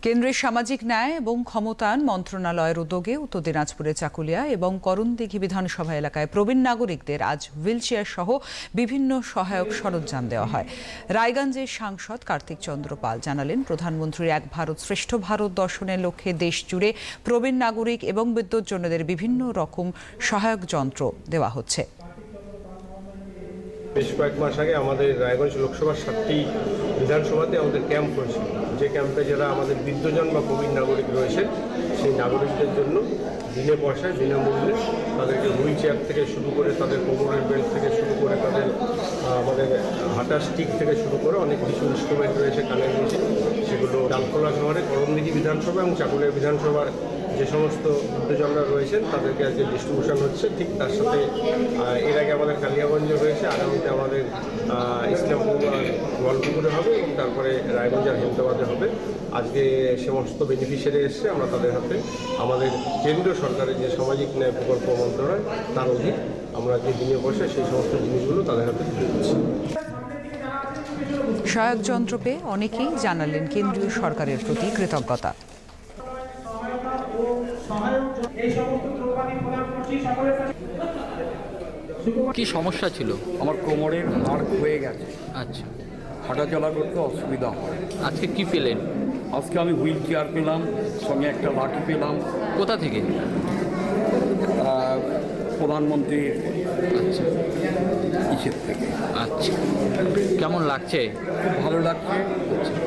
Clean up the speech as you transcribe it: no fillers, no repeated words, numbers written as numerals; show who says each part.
Speaker 1: কেন্দ্রের সামাজিক ন্যায় এবং ক্ষমতায়ন মন্ত্রণালয়ের উদ্যোগে উত্তর দিনাজপুরের চাকুলিয়া এবং করণদিঘি বিধানসভা এলাকায় প্রবীণ নাগরিকদের আজ হুইলচেয়ার সহ বিভিন্ন সহায়ক সরঞ্জাম দেওয়া হয়। রায়গঞ্জের সাংসদ কার্তিক চন্দ্র পাল জানালেন, প্রধানমন্ত্রীর এক ভারত শ্রেষ্ঠ ভারত দর্শনের লক্ষ্যে দেশ জুড়ে প্রবীণ নাগরিক এবং বিদ্যুৎজনদের বিভিন্ন রকম সহায়ক যন্ত্র দেওয়া হচ্ছে।
Speaker 2: বেশ কয়েক মাস আগে আমাদের রায়গঞ্জ লোকসভার 7টি বিধানসভাতে আমাদের ক্যাম্প হয়েছিল, যে ক্যাম্পে যারা আমাদের বৃদ্ধজন বা প্রবীণ নাগরিক রয়েছে সেই নাগরিকদের জন্য বিনা পয়সায় বিনামূল্যে তাদেরকে হুইল চেয়ার থেকে শুরু করে তাদের কোমরের বেল্ট থেকে শুরু করে তাদের আমাদের হাঁটার স্টিক থেকে শুরু করে অনেক কিছু ইনস্ট্রুমেন্ট রয়েছে, কানের মেশিন, সেগুলো ডালখোলা শহরে করণদিঘি বিধানসভা এবং চাকুলিয়া বিধানসভার যে সমস্ত বৃদ্ধজনরা রয়েছেন তাদেরকে আজকে ডিস্ট্রিবিউশন হচ্ছে। ঠিক তার সাথে এর আগে আমাদের কালিয়াগঞ্জে হয়েছে, আগামীতে আমাদের ইসলামপুর গোয়ালপুকুরে হবে এবং তারপরে রায়গঞ্জ আর হেমদাবাদে হবে। আজকে সমস্ত বেনিফিশিয়ারি এসছে, আমরা তাদের হাতে আমাদের কেন্দ্রীয় সরকারের যে সামাজিক ন্যায় প্রকল্প মন্ত্রণালয় তার অধীন আমরা যে বিনিয়োগ বসে সেই সমস্ত জিনিসগুলো তাদের হাতে তুলে দিচ্ছি।
Speaker 1: সহায়ক যন্ত্র পেয়ে অনেকেই জানালেন কেন্দ্রীয় সরকারের প্রতি কৃতজ্ঞতা।
Speaker 3: কি সমস্যা ছিল?
Speaker 4: আমার কোমরের হাড় ক্ষয়ে গেছে,
Speaker 3: আচ্ছা,
Speaker 4: হাঁটাচলা করতে অসুবিধা হয়।
Speaker 3: আজকে কি পেলেন?
Speaker 4: আজকে আমি হুইল চেয়ার পেলাম, সঙ্গে একটা লাঠি পেলাম
Speaker 3: কোথা থেকে?
Speaker 4: প্রধানমন্ত্রীর
Speaker 3: আচ্ছা
Speaker 4: ইসের থেকে।
Speaker 3: আচ্ছা, কেমন লাগছে?
Speaker 4: খুব ভালো লাগছে।